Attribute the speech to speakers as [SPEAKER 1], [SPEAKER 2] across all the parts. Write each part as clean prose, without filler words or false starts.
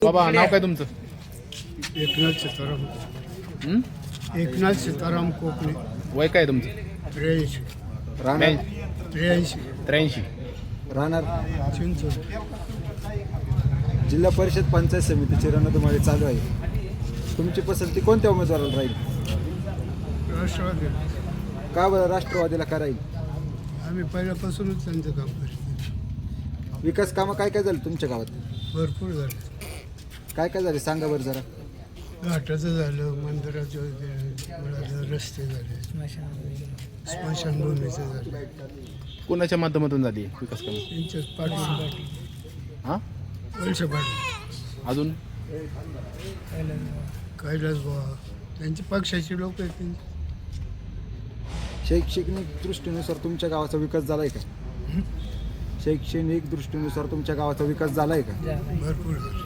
[SPEAKER 1] बाबा नाव काय तुमचं?
[SPEAKER 2] एकनाथ सीताराम
[SPEAKER 1] हं?
[SPEAKER 2] एकनाथ सीताराम कोकणे
[SPEAKER 1] वय काय तुमचं?
[SPEAKER 2] 83
[SPEAKER 3] राहणार
[SPEAKER 2] 83
[SPEAKER 1] 83.
[SPEAKER 3] राहणार
[SPEAKER 2] चिंचोली.
[SPEAKER 3] जिल्हा परिषद पंचायत समितीची रणधुमाळी चालू आहे. तुमची पसंती कोणत्या उमेदवाराला राहील?
[SPEAKER 2] राष्ट्रवादी
[SPEAKER 3] का बरं राष्ट्रवादीला का राहील?
[SPEAKER 2] आम्ही पहिल्यापासूनच त्यांचं काम करतो.
[SPEAKER 3] विकास कामं काय काय झालं तुमच्या गावात?
[SPEAKER 2] भरपूर झालं.
[SPEAKER 3] काय काय झाले सांगा बरं जरा.
[SPEAKER 2] घाटाचं झालं, मंदिराचं झालं, रस्ते झाले, स्मशानभूमीचं झालं.
[SPEAKER 1] कोणाच्या माध्यमातून झाली विकास कामं?
[SPEAKER 2] त्यांच्याच पाटील
[SPEAKER 1] हां
[SPEAKER 2] वळसे पाटील
[SPEAKER 1] अजून
[SPEAKER 2] कैलास बाबा त्यांची पक्षाची लोक आहेत त्यांची.
[SPEAKER 3] शैक्षणिक दृष्टीनुसार तुमच्या गावाचा विकास झालाय का? शैक्षणिक दृष्टीनुसार तुमच्या गावाचा विकास झालाय का?
[SPEAKER 2] भरपूर झालं.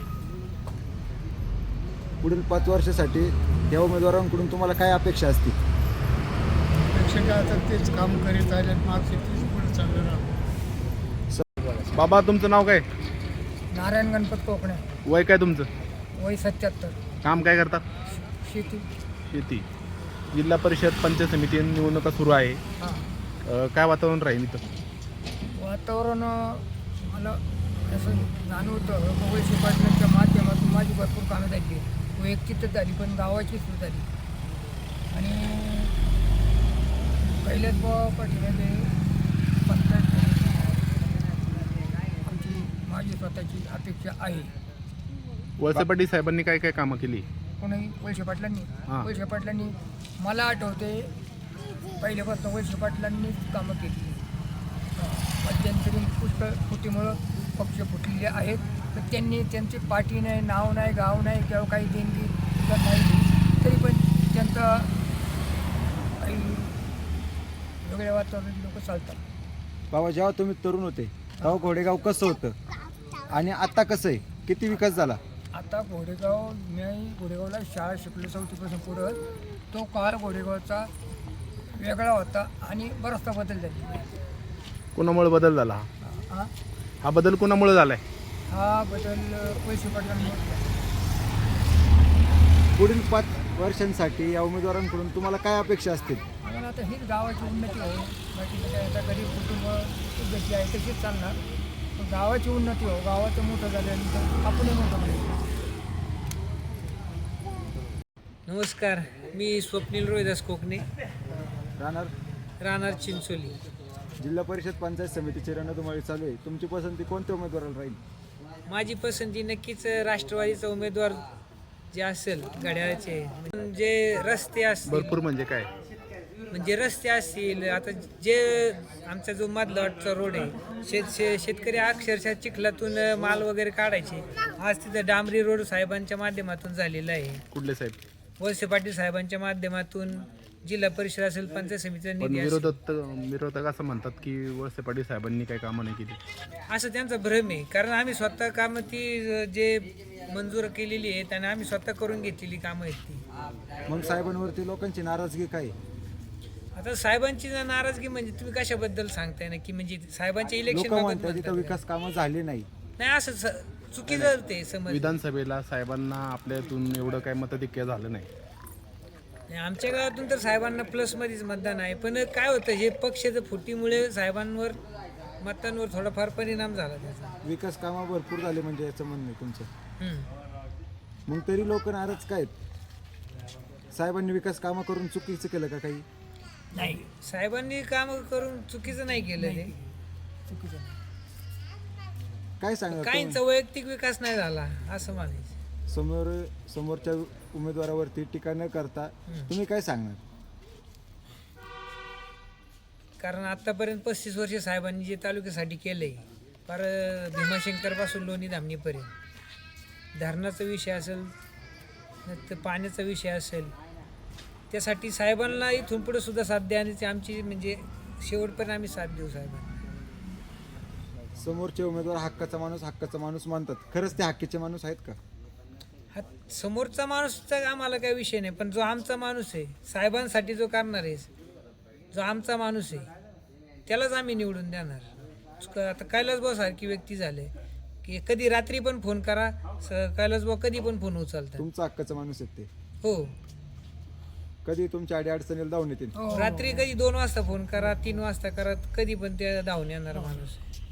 [SPEAKER 3] पुढील 5 वर्षासाठी या उमेदवारांकडून तुम्हाला काय अपेक्षा असतील?
[SPEAKER 2] प्रेक्षक आता तेच काम करीत आल्यात, मागचे तेच पुढे चाललं राहतं.
[SPEAKER 1] बाबा तुमचं नाव काय?
[SPEAKER 4] नारायण गणपत कोकणे.
[SPEAKER 1] वय काय तुमचं?
[SPEAKER 4] वय 77.
[SPEAKER 1] काम काय करतात?
[SPEAKER 4] शेती.
[SPEAKER 1] शेती. जिल्हा परिषद पंचायत समिती निवडणुका सुरू आहे.
[SPEAKER 4] हां.
[SPEAKER 1] काय वातावरण राहील इथं?
[SPEAKER 4] वातावरण मला असं जाणवतं वळसे पाटलांच्या माध्यमातून माझी भरपूर कामं झाली. वैयक्तिक तर झाली पण गावाची सुरू झाली. आणि पहिल्याच पाठीमध्ये पंचायत आमची माझी स्वतःची अपेक्षा आहे.
[SPEAKER 1] वळसे पाटील साहेबांनी काय काय कामं केली?
[SPEAKER 4] कोणी वळसे पाटलांनी
[SPEAKER 1] हां.
[SPEAKER 4] वळसे पाटलांनी मला आठवते पहिल्यापासून वळसे पाटलांनीच कामं केली. मध्यंतरी पुष्कळ फुटीमुळं पक्ष फुटलेले आहेत. तर त्यांनी त्यांची पार्टी नाही, नाव नाही, गाव नाही किंवा काही देणगी सुद्धा नाही, तरी पण त्यांचं काही वेगळ्या वातावरणात लोक चालतात.
[SPEAKER 3] बाबा जेव्हा तुम्ही तरुण होते तेव्हा घोडेगाव कसं होतं आणि आता कसं आहे? किती विकास झाला?
[SPEAKER 4] आता घोडेगाव, मी घोडेगावला शाळा शिकलो 4थीपासून पुढं. तो काळ घोडेगावचा वेगळा होता आणि बराचसा बदल झाला.
[SPEAKER 1] कोणामुळे बदल झाला?
[SPEAKER 4] हा
[SPEAKER 1] हा बदल कोणामुळे झालाय?
[SPEAKER 4] हा बदल वळसे पाटलांमुळे.
[SPEAKER 3] पुढील 5 वर्षांसाठी या उमेदवारांकडून तुम्हाला काय अपेक्षा असतील?
[SPEAKER 4] आम्हाला आता हीच गावाची उन्नती हो. बाकी काय आता गरीब कुटुंब जशी आहे तशीच चालणार. पण गावाची उन्नती हो, गावाचं मोठं झाल्यानंतर आपणही मोठं होईल.
[SPEAKER 5] नमस्कार, मी स्वप्नील रोहिदास कोकणे,
[SPEAKER 3] राहणार
[SPEAKER 5] चिंचोली.
[SPEAKER 3] जिल्हा परिषद पंचायत समितीची रणधुमाळी चालू आहे. तुमची पसंती कोणत्या उमेदवाराला राहील?
[SPEAKER 5] माझी पसंती नक्कीच राष्ट्रवादीचा उमेदवार जे असेल घड्याळाचे. जे रस्ते असतील,
[SPEAKER 1] भरपूर म्हणजे काय?
[SPEAKER 5] म्हणजे रस्ते असतील, आता जे आमचा जो मधलाटचा रोड आहे, शेतकरी अक्षरशः चिखलातून माल वगैरे काढायचे. आज तिथं डांबरी रोड साहेबांच्या माध्यमातून झालेला आहे.
[SPEAKER 1] कुठले साहेब?
[SPEAKER 5] वळसे पाटील साहेबांच्या माध्यमातून. जिल्हा परिषद असेल, पंचायत समितीचा
[SPEAKER 1] पण
[SPEAKER 5] निधी असेल.
[SPEAKER 1] विरोधक असं म्हणतात की वळसे पाटील साहेबांनी काही कामं नाही केली.
[SPEAKER 5] असं त्यांचा भ्रम आहे. कारण आम्ही स्वतः कामं ती जे मंजूर केलेली आहेत आणि आम्ही स्वतः करून घेतलेली कामं आहेत ती.
[SPEAKER 3] मग साहेबांवरती लोकांची नाराजगी काय आहे?
[SPEAKER 5] आता साहेबांची नाराजगी म्हणजे तुम्ही कशाबद्दल सांगताय ना, की म्हणजे साहेबांच्या
[SPEAKER 3] लोक
[SPEAKER 5] इलेक्शन
[SPEAKER 3] म्हणतात तिथं विकास कामं झाली नाही.
[SPEAKER 5] नाही, असं चुकीचं ते समज.
[SPEAKER 1] विधानसभेला साहेबांना आपल्यातून एवढं काय मतधिक्य झालं नाही.
[SPEAKER 5] नाही, आमच्या गावातून तर साहेबांना प्लसमध्येच मतदान आहे. पण काय होतं, हे पक्षाच्या फुटीमुळे साहेबांवर मतांवर थोडाफार परिणाम झाला त्याचा.
[SPEAKER 3] विकास कामं भरपूर झाले म्हणजे याचं म्हणणं आहे तुमचं.
[SPEAKER 5] हम्म.
[SPEAKER 3] मग तरी लोक नाराज काय आहेत? साहेबांनी विकास कामं करून चुकीचं केलं का काही?
[SPEAKER 5] नाही, साहेबांनी काम करून चुकीचं नाही केलं ते.
[SPEAKER 4] चुकीचं नाही.
[SPEAKER 3] काय सांगा
[SPEAKER 5] काहींचा वैयक्तिक विकास नाही झाला असं म्हणायचं.
[SPEAKER 3] समोरच्या उमेदवारावरती टीका न करता तुम्ही काय सांगणार?
[SPEAKER 5] कारण आतापर्यंत 35 वर्ष साहेबांनी जे तालुक्यासाठी केलंय, फार भीमाशंकरपासून लोणी धामणीपर्यंत धरणाचा विषय असेल, तर पाण्याचा विषय असेल, त्यासाठी साहेबांना इथून पुढे सुद्धा साथ द्यायची आमची म्हणजे शेवटपर्यंत आम्ही साथ देऊ साहेबांना.
[SPEAKER 3] समोरचे उमेदवार हक्काचा माणूस मानतात. खरंच ते हक्कीचे माणूस आहेत का?
[SPEAKER 5] हा समोरचा माणूसचा आम्हाला काही विषय नाही, पण जो आमचा माणूस आहे, साहेबांसाठी जो करणार आहे, जो आमचा माणूस आहे, त्यालाच आम्ही निवडून देणार. आता कैलास भाऊ सारखी व्यक्ती झाले की कधी रात्री पण फोन करा, कैलास भाऊ कधी पण फोन उचलतात.
[SPEAKER 3] तुमचा हक्काचा माणूस आहेत ते.
[SPEAKER 5] हो,
[SPEAKER 3] कधी तुमच्या अडी अडचणीला धावून येतील.
[SPEAKER 4] हो.
[SPEAKER 5] रात्री कधी 2 वाजता फोन करा, 3 वाजता करा, कधी पण ते धावून येणार माणूस.